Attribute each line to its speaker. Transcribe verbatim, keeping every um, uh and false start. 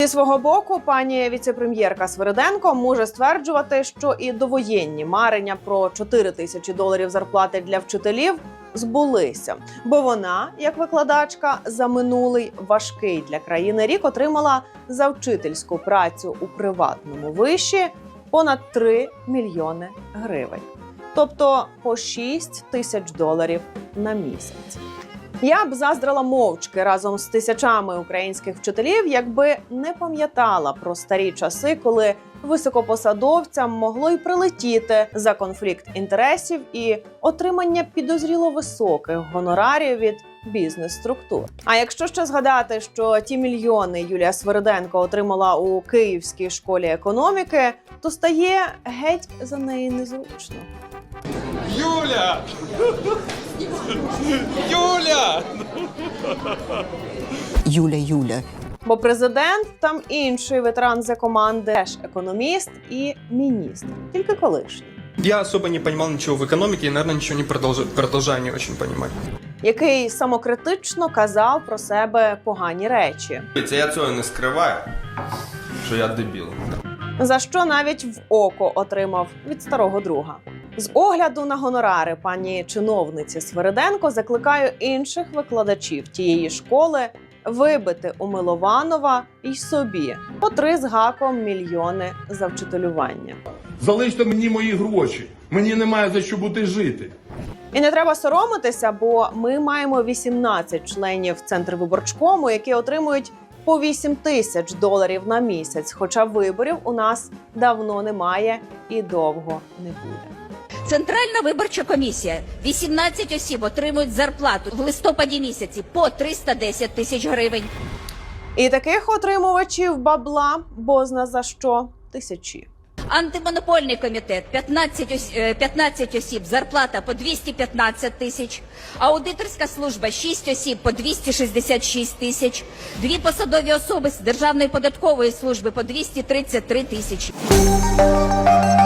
Speaker 1: Зі свого боку, пані віце-прем'єрка Свириденко може стверджувати, що і довоєнні марення про чотири тисячі доларів зарплати для вчителів збулися. Бо вона, як викладачка, за минулий важкий для країни рік отримала за вчительську працю у приватному виші понад три мільйони гривень. Тобто по шість тисяч доларів на місяць. Я б заздрила мовчки разом з тисячами українських вчителів, якби не пам'ятала про старі часи, коли високопосадовцям могло й прилетіти за конфлікт інтересів і отримання підозріло високих гонорарів від бізнес-структур. А якщо ще згадати, що ті мільйони Юлія Свириденко отримала у Київській школі економіки, то стає геть за неї незручно.
Speaker 2: Юля! Юля!
Speaker 3: Юля, Юля.
Speaker 1: Бо президент там інший ветеран за команди, теж економіст і міністр, тільки колишній.
Speaker 2: Я особо не понимал ничего в экономике и, наверное, ничего не продолжаю, продолжаю не очень понимать.
Speaker 1: Який самокритично казав про себе погані речі.
Speaker 4: Я цього не скриваю, що я дебіл.
Speaker 1: За що навіть в око отримав від старого друга. З огляду на гонорари пані чиновниці Свириденко закликаю інших викладачів тієї школи вибити у Милованова й собі по три з гаком мільйони за вчителювання.
Speaker 5: Залиште мені мої гроші, мені немає за що бути жити.
Speaker 1: І не треба соромитися, бо ми маємо вісімнадцять членів Центрвиборчкому, які отримують по вісім тисяч доларів на місяць, хоча виборів у нас давно немає і довго не буде.
Speaker 6: Центральна виборча комісія. вісімнадцять осіб отримують зарплату в листопаді місяці по триста десять тисяч гривень.
Speaker 1: І таких отримувачів бабла, бозна за що, тисячі.
Speaker 6: Антимонопольний комітет п'ятнадцять осіб, зарплата по двісті п'ятнадцять тисяч. Аудиторська служба шість осіб по двісті шістдесят шість тисяч. Дві посадові особи з Державної податкової служби по двісті тридцять три тисячі.